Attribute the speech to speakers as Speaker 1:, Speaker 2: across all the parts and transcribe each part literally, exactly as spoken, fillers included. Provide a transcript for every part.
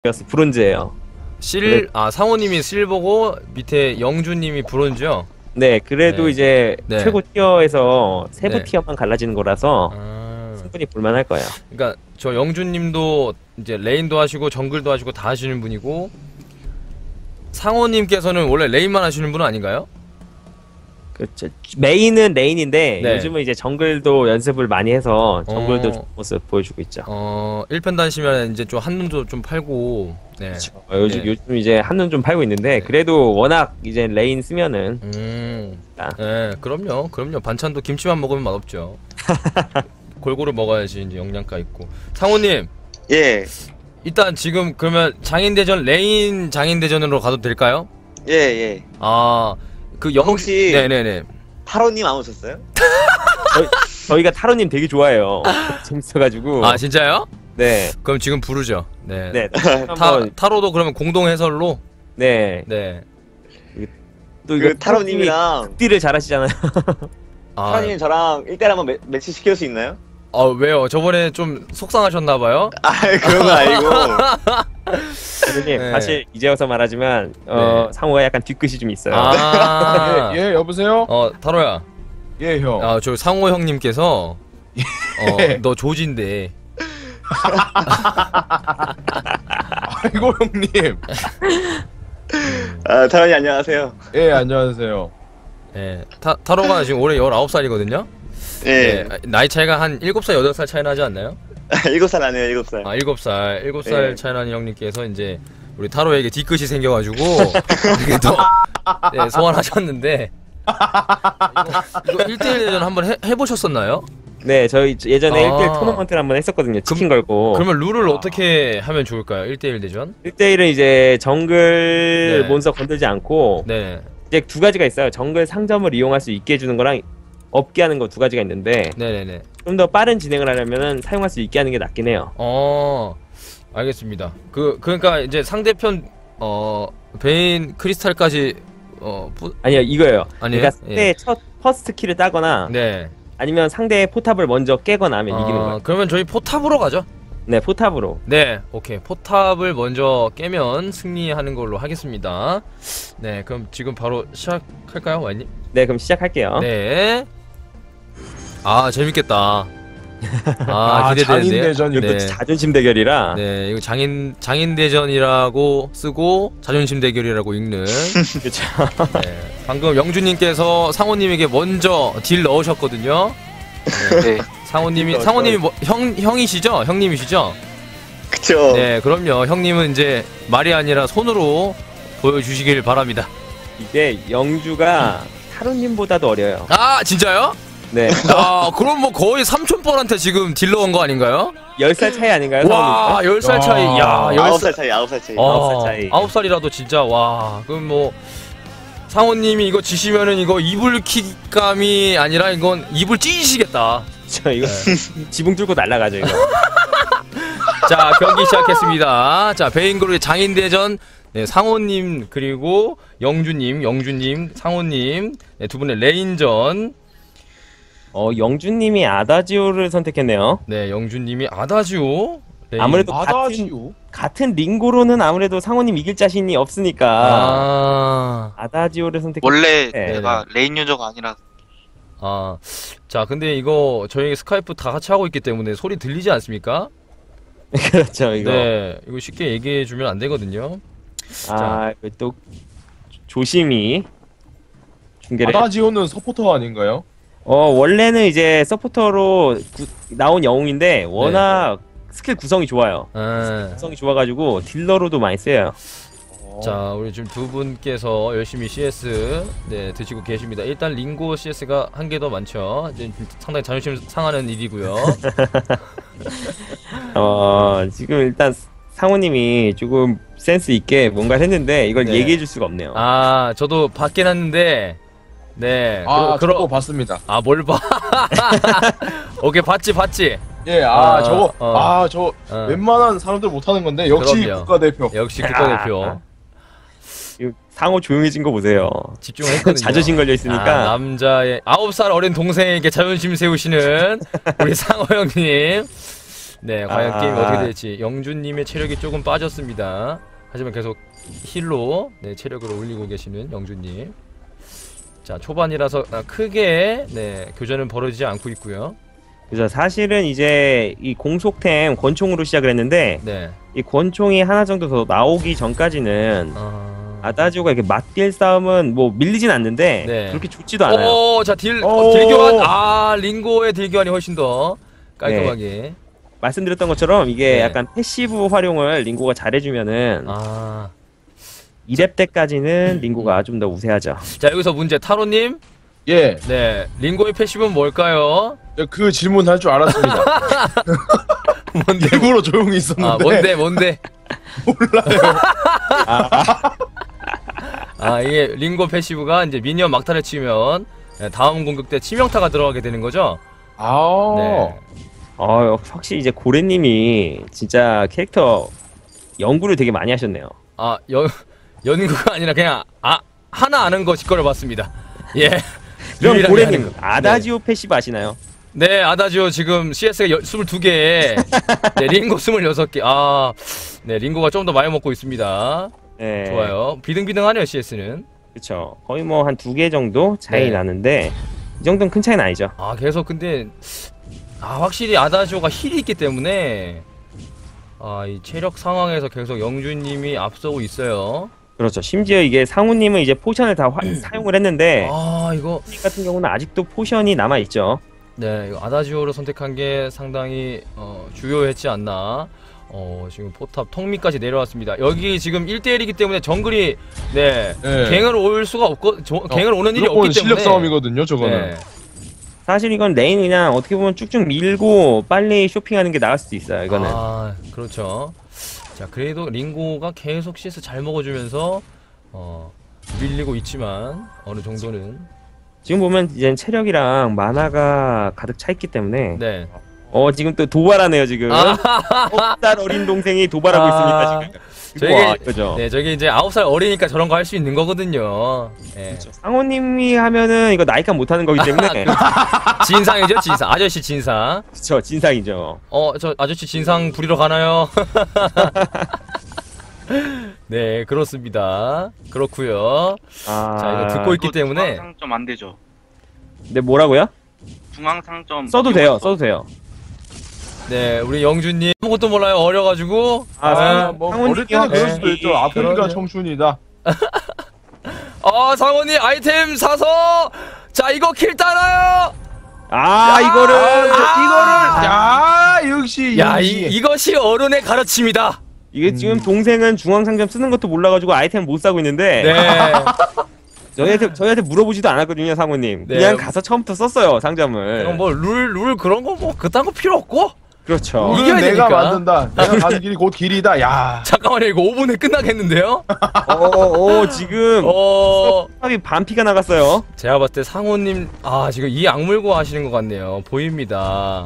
Speaker 1: 브론즈예요.
Speaker 2: 실, 아 상호님이 실버고 밑에 영주님이 브론즈요?
Speaker 1: 네, 그래도
Speaker 2: 네.
Speaker 1: 이제
Speaker 2: 네.
Speaker 1: 최고 티어에서 세부
Speaker 2: 네.
Speaker 1: 티어만 갈라지는 거라서
Speaker 2: 아...
Speaker 1: 충분히 볼만할 거예요.
Speaker 2: 그러니까 저 영주님도 이제 레인도 하시고 정글도 하시고 다 하시는 분이고 상호님께서는 원래 레인만 하시는 분은 아닌가요?
Speaker 1: 그렇죠. 메인은 레인인데
Speaker 2: 네.
Speaker 1: 요즘은 이제 정글도 연습을 많이 해서 정글도
Speaker 2: 어...
Speaker 1: 좋은 모습 보여주고 있죠.
Speaker 2: 어... 일 편 다시면 이제 좀 한눈도 좀 팔고 네.
Speaker 1: 그렇죠. 어, 요즘,
Speaker 2: 네.
Speaker 1: 요즘 이제 한눈 좀 팔고 있는데
Speaker 2: 네.
Speaker 1: 그래도 워낙 이제 레인 쓰면은
Speaker 2: 음...
Speaker 1: 아.
Speaker 2: 네 그럼요 그럼요 반찬도 김치만 먹으면 맛없죠. 골고루 먹어야지 이제 영양가 있고. 상호님
Speaker 3: 예.
Speaker 2: 일단 지금 그러면 장인대전 레인 장인대전으로 가도 될까요?
Speaker 3: 예, 예.
Speaker 2: 아, 그 영...
Speaker 3: 혹시
Speaker 2: 네네네.
Speaker 3: 타로님 안 오셨어요?
Speaker 1: 저희, 저희가 타로님 되게 좋아해요. 재밌어가지고.
Speaker 2: 아 진짜요?
Speaker 1: 네.
Speaker 2: 그럼 지금 부르죠. 네.
Speaker 1: 네.
Speaker 2: 타,
Speaker 1: 한번
Speaker 2: 타로도 그러면 공동 해설로.
Speaker 1: 네.
Speaker 2: 네.
Speaker 1: 또 이거
Speaker 3: 그 타로님이랑
Speaker 1: 극딜을 잘하시잖아요.
Speaker 2: 아,
Speaker 3: 타로님 저랑 일 대일 한번 매, 매치 시킬 수 있나요?
Speaker 2: 아 왜요? 저번에 좀 속상하셨나봐요.
Speaker 3: 아 그런 거 아니고.
Speaker 1: 선생님
Speaker 2: 네.
Speaker 1: 사실 이제 와서 말하지만 어,
Speaker 2: 네.
Speaker 1: 상호가 약간 뒤끝이 좀 있어요.
Speaker 2: 아,
Speaker 4: 예, 예, 여보세요?
Speaker 2: 어 타로야.
Speaker 4: 예, 형.
Speaker 2: 아 저 상호 형님께서
Speaker 4: 예.
Speaker 2: 어너 조진데.
Speaker 4: 아이고, 형님.
Speaker 3: 아 타로님 안녕하세요.
Speaker 4: 예, 안녕하세요.
Speaker 2: 예. 타 타로가 지금 올해 열아홉 살이거든요.
Speaker 3: 예.
Speaker 2: 네. 나이 차이가 한 일곱 살 여덟 살 차이 나지 않나요?
Speaker 3: 일곱 살 아니에요, 일곱 살.
Speaker 2: 아 일곱 살 일곱 살
Speaker 3: 네.
Speaker 2: 차이 나는 형님께서 이제 우리 타로에게 뒤끝이 생겨가지고 이렇게 또 네, 소환하셨는데 이거, 이거 일 대일 대전 한번 해, 해보셨었나요?
Speaker 1: 네, 저희 예전에
Speaker 2: 아.
Speaker 1: 일 대일 토너먼트를 한번 했었거든요. 치킨 걸고.
Speaker 2: 그러면 룰을 어떻게 하면 좋을까요? 일 대일 대전?
Speaker 1: 일 대일은 이제 정글
Speaker 2: 네.
Speaker 1: 몬스터 건들지 않고
Speaker 2: 네
Speaker 1: 이제 두 가지가 있어요. 정글 상점을 이용할 수 있게 해주는 거랑 없게 하는 거 두 가지가 있는데
Speaker 2: 네네네
Speaker 1: 좀 더 빠른 진행을 하려면은 사용할 수 있게 하는 게 낫긴 해요.
Speaker 2: 어 알겠습니다. 그 그러니까 이제 상대편 어 베인 크리스탈까지 어 부...
Speaker 1: 아니요, 이거예요.
Speaker 2: 아니에요?
Speaker 1: 그러니까 상대의 첫 퍼스트 킬을 따거나
Speaker 2: 네
Speaker 1: 아니면 상대의 포탑을 먼저 깨거나 하면 이기는
Speaker 2: 어,
Speaker 1: 거예요.
Speaker 2: 그러면 저희 포탑으로 가죠.
Speaker 1: 네, 포탑으로.
Speaker 2: 네, 오케이. 포탑을 먼저 깨면 승리하는 걸로 하겠습니다. 네, 그럼 지금 바로 시작할까요, 와이님?
Speaker 1: 네, 그럼 시작할게요.
Speaker 2: 네. 아, 재밌겠다. 아,
Speaker 4: 아,
Speaker 2: 기대되는데요.
Speaker 4: 장인대전이
Speaker 1: 이거
Speaker 2: 네.
Speaker 1: 또 자존심 대결이라.
Speaker 2: 네, 이거 장인 장인대전이라고 쓰고 자존심 대결이라고 읽는.
Speaker 1: 그렇죠.
Speaker 2: 네. 방금 영주님께서 상호님에게 먼저 딜 넣으셨거든요.
Speaker 3: 네.
Speaker 2: 상호님이 상호님이 뭐, 형 형이시죠? 형님이시죠?
Speaker 3: 그쵸.
Speaker 2: 네, 그럼요. 형님은 이제 말이 아니라 손으로 보여주시길 바랍니다.
Speaker 1: 이게 영주가 타로님보다도 어려요.
Speaker 2: 아, 진짜요?
Speaker 1: 네.
Speaker 2: 아, 그럼 뭐 거의 삼촌뻘한테 지금 딜러 온 거 아닌가요?
Speaker 1: 열 살 차이 아닌가요?
Speaker 2: 와, 열 살 차이. 야,
Speaker 4: 아,
Speaker 2: 열
Speaker 3: 아홉
Speaker 2: 살.
Speaker 3: 살 차이, 아홉 살 차이.
Speaker 2: 아,
Speaker 1: 아홉 살 차이.
Speaker 2: 아홉 살이라도 진짜 와. 그럼 뭐 상호님이 이거 지시면은 이거 이불 킥감이 아니라 이건 이불 찢으시겠다.
Speaker 1: 저 이거 지붕 뚫고 날아가죠 이거.
Speaker 2: 자, 경기 시작했습니다. 자, 베인그룹의 장인대전. 네, 상호님 그리고 영주님, 영주님, 상호님 네, 두 분의 레인전.
Speaker 1: 어, 영주님이 아다지오를 선택했네요.
Speaker 2: 네, 영주님이 아다지오. 레인.
Speaker 1: 아무래도 같은
Speaker 4: 아다지요?
Speaker 1: 같은 링고로는 아무래도 상호님 이길 자신이 없으니까
Speaker 2: 아,
Speaker 1: 아다지오를 선택.
Speaker 5: 원래
Speaker 1: 네.
Speaker 5: 내가 레인 유저가 아니라
Speaker 2: 아, 자, 근데 이거 저희 스카이프 다 같이 하고 있기 때문에 소리 들리지 않습니까?
Speaker 1: 그렇죠 이거.
Speaker 2: 네, 이거 쉽게 얘기해 주면 안 되거든요.
Speaker 1: 아, 이거 또 조심히 중계를.
Speaker 4: 아다지오는 서포터 아닌가요?
Speaker 1: 어, 원래는 이제 서포터로 구, 나온 영웅인데 워낙 스킬 구성이 좋아요.
Speaker 2: 아,
Speaker 1: 구성이 좋아가지고 딜러로도 많이 쓰여요.
Speaker 2: 자, 우리 지금 두 분께서 열심히 씨에스 네 드시고 계십니다. 일단 링고 씨에스가 한 개 더 많죠. 이제 상당히 자존심 상하는 일이고요.
Speaker 1: 어, 지금 일단 상호님이 조금 센스 있게 뭔가를 했는데 이걸
Speaker 2: 네.
Speaker 1: 얘기해 줄 수가 없네요.
Speaker 2: 아, 저도 받긴 했는데, 네.
Speaker 4: 아,
Speaker 2: 그러,
Speaker 4: 저거 봤습니다.
Speaker 2: 아, 뭘 봐? 오케이, 봤지, 봤지.
Speaker 4: 예, 아,
Speaker 2: 아,
Speaker 4: 저거,
Speaker 2: 어.
Speaker 4: 아, 저
Speaker 2: 어.
Speaker 4: 웬만한 사람들 못하는 건데 역시
Speaker 2: 그럼요.
Speaker 4: 국가대표.
Speaker 2: 역시 국가대표.
Speaker 1: 이거 상호 조용해진 거 보세요.
Speaker 2: 집중했거든요.
Speaker 1: 자존심 걸려 있으니까.
Speaker 2: 아, 남자의 아홉 살 어린 동생에게 자존심 세우시는 우리 상호 형님. 네, 과연
Speaker 1: 아.
Speaker 2: 게임이 어떻게 될지. 영준님의 체력이 조금 빠졌습니다. 하지만 계속 힐로 네, 체력을 올리고 계시는 영준님. 자, 초반이라서 아, 크게 네, 교전은 벌어지지 않고 있고요.
Speaker 1: 그죠. 사실은 이제 이 공속템 권총으로 시작을 했는데
Speaker 2: 네.
Speaker 1: 이 권총이 하나 정도 더 나오기 전까지는
Speaker 2: 아...
Speaker 1: 아다지오가 이렇게 맞딜 싸움은 뭐 밀리진 않는데
Speaker 2: 네.
Speaker 1: 그렇게 좋지도 않아요.
Speaker 2: 오, 자, 딜,
Speaker 1: 오.
Speaker 2: 딜 교환. 아, 링고의 딜 교환이 훨씬 더 깔끔하게.
Speaker 1: 말씀드렸던 것처럼 이게
Speaker 2: 네.
Speaker 1: 약간 패시브 활용을 링고가 잘해주면은
Speaker 2: 아.
Speaker 1: 이 렙 때까지는 링고가 좀 더 우세하죠.
Speaker 2: 자, 여기서 문제. 타로님.
Speaker 4: 예,
Speaker 2: 네. 링고의 패시브는 뭘까요?
Speaker 4: 그 질문 할 줄 알았습니다.
Speaker 2: 뭔데?
Speaker 4: 일부러 조용히 있었는데.
Speaker 2: 아, 뭔데, 뭔데? 아, 이게 링고 패시브가 이제 미니언 막타를 치면 다음 공격 때 치명타가 들어가게 되는 거죠?
Speaker 4: 아,
Speaker 2: 네.
Speaker 1: 어, 확실히 이제 고래님이 진짜 캐릭터 연구를 되게 많이 하셨네요.
Speaker 2: 아, 연, 연구가 아니라 그냥, 아, 하나 아는 거 짓거려봤습니다. 예.
Speaker 1: 그럼
Speaker 2: 유일하게
Speaker 1: 고래님
Speaker 2: 하는 거.
Speaker 1: 아다지오 패시브 아시나요?
Speaker 2: 네, 네, 아다지오 지금 씨에스가 스물두 개, 네, 링고 스물여섯 개. 아, 네, 링고가 좀 더 많이 먹고 있습니다.
Speaker 1: 네.
Speaker 2: 좋아요. 비등비등하네요, 씨에스는.
Speaker 1: 그쵸. 거의 뭐 한 두 개 정도 차이
Speaker 2: 네.
Speaker 1: 나는데 이 정도는 큰 차이는 아니죠.
Speaker 2: 아, 계속 근데, 아, 확실히 아다지오가 힐이 있기 때문에, 아, 이 체력 상황에서 계속 영준님이 앞서고 있어요.
Speaker 1: 그렇죠. 심지어 이게 상우님은 이제 포션을 다 화, 사용을 했는데
Speaker 2: 아, 이거,
Speaker 1: 님 같은 경우는 아직도 포션이 남아 있죠.
Speaker 2: 네, 이거 아다지오를 선택한 게 상당히 어, 주요했지 않나. 어, 지금 포탑 턱밑까지 내려왔습니다. 여기 지금 일 대일이기 때문에 정글이 네,
Speaker 4: 네.
Speaker 2: 갱을 올 수가 없고 조, 갱을 오는 일이
Speaker 4: 무조건
Speaker 2: 없기 때문에
Speaker 4: 실력 싸움이거든요, 저거는.
Speaker 2: 네.
Speaker 1: 사실 이건 레인 그냥 어떻게 보면 쭉쭉 밀고 빨리 쇼핑하는 게 나을 수도 있어요. 이거는.
Speaker 2: 아, 그렇죠. 자, 그래도 링고가 계속 씨에스 잘 먹어주면서 어, 밀리고 있지만 어느 정도는
Speaker 1: 지금 보면 이제 체력이랑 만화가 가득 차 있기 때문에
Speaker 2: 네.
Speaker 1: 어 지금 또 도발하네요 지금. 아홉 살 어린 동생이 도발하고
Speaker 2: 아,
Speaker 1: 있습니다 지금.
Speaker 2: 저게-
Speaker 1: 와, 그죠.
Speaker 2: 네, 저기 이제 아홉 살 어리니까 저런 거 할 수 있는 거거든요. 네.
Speaker 1: 상호님이 하면은 이거 나이카 못하는 거기 때문에
Speaker 2: 진상이죠, 진상. 아저씨 진상.
Speaker 1: 그쵸 진상이죠.
Speaker 2: 어, 저 아저씨 진상 부리러 가나요? 네, 그렇습니다. 그렇고요.
Speaker 1: 아,
Speaker 2: 자, 이거 듣고 있기
Speaker 5: 그거
Speaker 2: 때문에
Speaker 5: 중앙상점 안 되죠.
Speaker 1: 네 뭐라고요?
Speaker 5: 중앙상점
Speaker 1: 써도 돼요, 써도 돼요.
Speaker 2: 네, 우리 영준님 아무것도 몰라요. 어려가지고.
Speaker 1: 아,
Speaker 2: 네.
Speaker 4: 아, 뭐
Speaker 1: 상훈이
Speaker 4: 어릴 때는
Speaker 1: 형.
Speaker 4: 그럴 수도
Speaker 1: 네.
Speaker 4: 있죠. 아프리카
Speaker 2: 그러네요.
Speaker 4: 청춘이다.
Speaker 2: 아, 상원이 아이템 사서 자, 이거 킬 따나요?
Speaker 1: 아 이거를
Speaker 4: 이거를 야 역시
Speaker 2: 야, 이,
Speaker 4: 이
Speaker 2: 이것이 어른의 가르침이다.
Speaker 1: 이게 지금
Speaker 4: 음.
Speaker 1: 동생은 중앙상점 쓰는 것도 몰라가지고 아이템 못 사고 있는데
Speaker 2: 네.
Speaker 1: 저희한테 저희한테 물어보지도 않았거든요 상호님.
Speaker 2: 네.
Speaker 1: 그냥 가서 처음부터 썼어요 상점을.
Speaker 2: 그럼 뭐 룰 룰 그런 거 뭐 그딴 거 필요 없고.
Speaker 1: 그렇죠.
Speaker 2: 이-
Speaker 4: 이건
Speaker 2: 이겨야
Speaker 4: 내가
Speaker 2: 되니까.
Speaker 4: 만든다. 내가 가는 길이 곧 길이다. 야.
Speaker 2: 잠깐만요. 이거 오 분에 끝나겠는데요?
Speaker 1: 어어 지금
Speaker 2: 어,
Speaker 1: 탑이 반피가 나갔어요.
Speaker 2: 제가 봤을 때 상호님 아, 지금 이 악물고 하시는 것 같네요. 보입니다.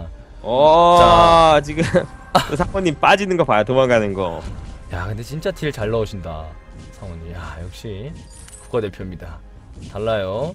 Speaker 1: 어 지금 상호님 빠지는 거 봐요 도망가는 거.
Speaker 2: 야, 근데 진짜 딜 잘 넣으신다. 상호님. 야, 역시 국가대표입니다. 달라요.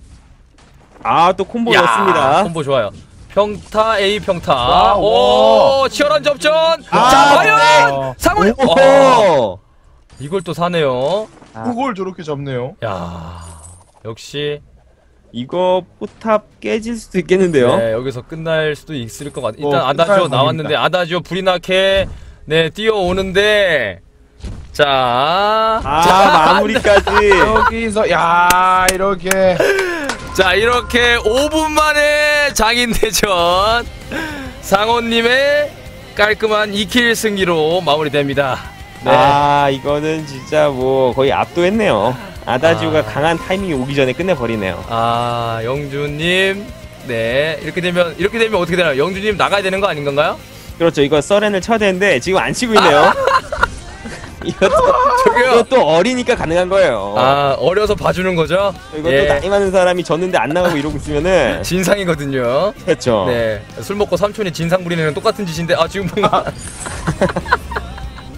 Speaker 1: 아 또 콤보
Speaker 2: 야,
Speaker 1: 넣습니다.
Speaker 2: 콤보 좋아요. 평타 A 평타.
Speaker 4: 와,
Speaker 2: 오,
Speaker 4: 와.
Speaker 2: 치열한 접전.
Speaker 1: 아,
Speaker 2: 자, 과연
Speaker 4: 어,
Speaker 2: 상호님. 와,
Speaker 1: 오!
Speaker 2: 이걸 또 사네요.
Speaker 4: 그걸 저렇게 잡네요.
Speaker 2: 야, 역시
Speaker 1: 이거 포탑 깨질 수도 있겠는데요.
Speaker 2: 네, 여기서 끝날 수도 있을 것 같아. 일단
Speaker 4: 어,
Speaker 2: 아다지오
Speaker 4: 끝날
Speaker 2: 나왔는데 아다지오 브리나케 네 뛰어오는데 자,
Speaker 1: 아
Speaker 2: 자,
Speaker 1: 마무리까지.
Speaker 4: 여기서 야 이렇게
Speaker 2: 자, 이렇게 오 분 만에 장인대전 상호님의 깔끔한 이 킬 승리로 마무리됩니다. 네.
Speaker 1: 아 이거는 진짜 뭐 거의 압도했네요. 아다지오가
Speaker 2: 아.
Speaker 1: 강한 타이밍이 오기 전에 끝내버리네요.
Speaker 2: 아, 영주님. 네, 이렇게 되면 이렇게 되면 어떻게 되나요? 영주님 나가야 되는 거 아닌 건가요?
Speaker 1: 그렇죠. 이거 서렌을 쳐야 되는데 지금 안 치고 있네요. 이것도
Speaker 2: 저기요.
Speaker 1: 이것도 어리니까 가능한 거예요.
Speaker 2: 아, 어려서 봐주는 거죠?
Speaker 1: 이것도
Speaker 2: 예.
Speaker 1: 나이 많은 사람이 졌는데 안 나가고 이러고 있으면은
Speaker 2: 진상이거든요.
Speaker 1: 그렇죠.
Speaker 2: 네, 술 먹고 삼촌이 진상 부리는 건 똑같은 짓인데 아 지금 뭔가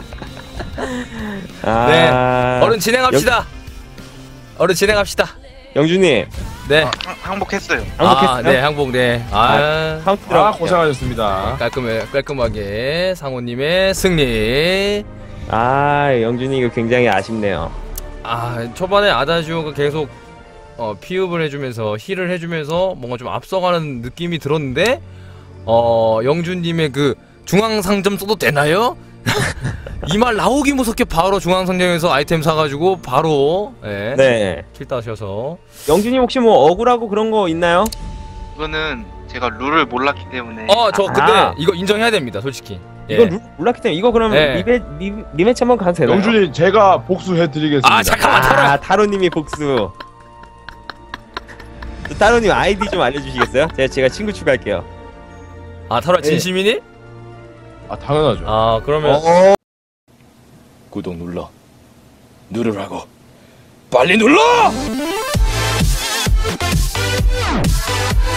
Speaker 1: 아,
Speaker 2: 네, 얼른 진행합시다. 얼른 진행합시다.
Speaker 1: 영준님
Speaker 2: 네.
Speaker 5: 항- 항복했어요.
Speaker 1: 항복했어요?
Speaker 2: 아, 네, 항복, 네. 아,
Speaker 1: 카운트
Speaker 4: 아
Speaker 1: 들어갈게요.
Speaker 4: 고생하셨습니다.
Speaker 2: 깔끔해, 깔끔하게 상호님의 승리.
Speaker 1: 아 영준이 이거 굉장히 아쉽네요.
Speaker 2: 아, 초반에 아다지오가 계속 어, 피읍을 해주면서 힐을 해주면서 뭔가 좀 앞서가는 느낌이 들었는데 어, 영준님의 그 중앙상점 써도 되나요? 이 말 나오기 무섭게 바로 중앙상점에서 아이템 사가지고 바로 예,
Speaker 1: 네.
Speaker 2: 킬 따셔서
Speaker 1: 영준이 혹시 뭐 억울하고 그런 거 있나요?
Speaker 5: 이거는 제가 룰을 몰랐기 때문에.
Speaker 2: 어, 저 근데
Speaker 1: 아.
Speaker 2: 이거 인정해야 됩니다, 솔직히. 예.
Speaker 1: 이건 룰 몰랐기 때문에 이거 그럼
Speaker 2: 네.
Speaker 1: 리베 리, 리매치 한번 가도 되나요?
Speaker 4: 영준이 제가 복수해드리겠습니다.
Speaker 2: 아, 잠깐만, 타로.
Speaker 1: 아 타로님이 복수. 또 타로님 아이디 좀 알려주시겠어요? 제가 제가 친구 추가할게요.
Speaker 2: 아, 타로 진심이니?
Speaker 4: 아 당연하죠.
Speaker 2: 아, 그러면
Speaker 1: 어.
Speaker 6: 구독 눌러 누르라고 빨리 눌러!